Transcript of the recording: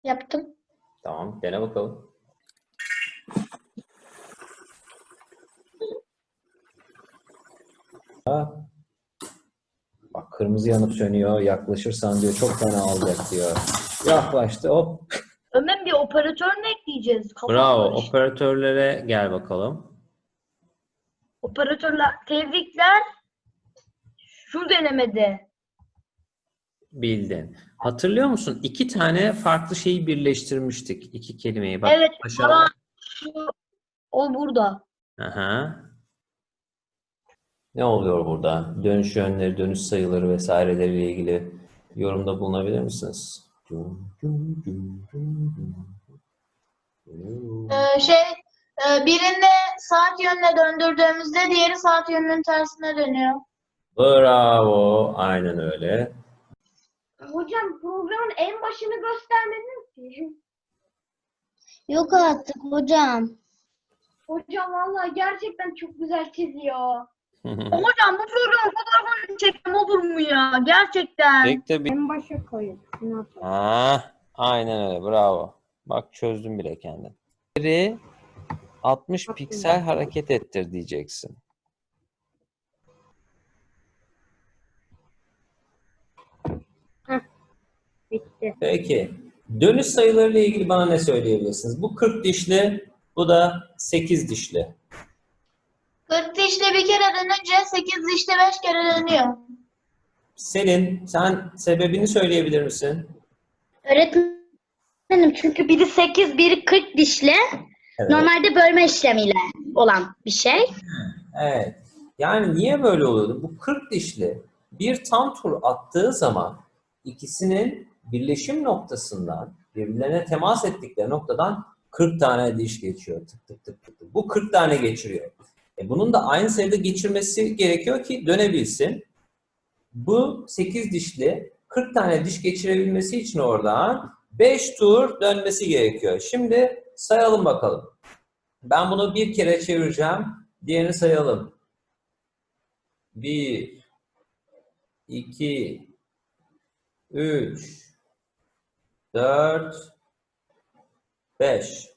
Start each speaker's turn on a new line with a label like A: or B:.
A: Yaptım.
B: Tamam, dene bakalım. Bak kırmızı yanıp sönüyor. Yaklaşırsan diyor çok fena alacak diyor. Yaklaştı hop.
A: Ömer bir operatör mü ekleyeceğiz? Kafam
B: Bravo.
A: karıştı.
B: Operatörlere gel bakalım.
A: Operatörler tebrikler. Şu denemede.
B: Bildin. Hatırlıyor musun? İki tane farklı şeyi birleştirmiştik. İki kelimeyi. Bak
A: Evet
B: aşağıda.
A: şu o burada.
B: Aha. Ne oluyor burada? Dönüş yönleri, dönüş sayıları vesaireleriyle ilgili yorumda bulunabilir misiniz?
C: Birini saat yönüne döndürdüğümüzde diğeri saat yönünün tersine dönüyor.
B: Bravo. Aynen öyle.
D: Hocam programın en başını göstermediniz ki.
C: Yok artık hocam.
D: Hocam vallahi gerçekten çok güzel çiziyor.
A: Hocam bu programın fotoğrafını çekmem olur mu ya? Gerçekten.
B: Pek de bir...
D: En başa koyun.
B: Aynen öyle. Bravo. Bak çözdüm bile kendini. Biri 60 piksel hareket ettir diyeceksin.
D: Bitti.
B: Peki. Dönüş sayılarıyla ilgili bana ne söyleyebilirsiniz? Bu 40 dişli, bu da 8 dişli.
C: 40 dişli bir kere dönünce 8 dişli 5 kere dönüyor.
B: Selin, sen sebebini söyleyebilir misin?
A: Öğretmenim çünkü biri 8, biri 40 dişli.
B: Evet.
A: Normalde bölme işlemiyle olan bir şey.
B: Evet. Yani niye böyle oluyordu? Bu 40 dişli bir tam tur attığı zaman ikisinin birleşim noktasından birbirlerine temas ettikleri noktadan 40 tane diş geçiyor. Tık tık tık tık tık. Bu 40 tane geçiriyor. Bunun da aynı sayıda geçirmesi gerekiyor ki dönebilsin. Bu 8 dişli 40 tane diş geçirebilmesi için oradan 5 tur dönmesi gerekiyor. Şimdi sayalım bakalım. Ben bunu bir kere çevireceğim. Diğerini sayalım. 1, 2, 3, 4, 5.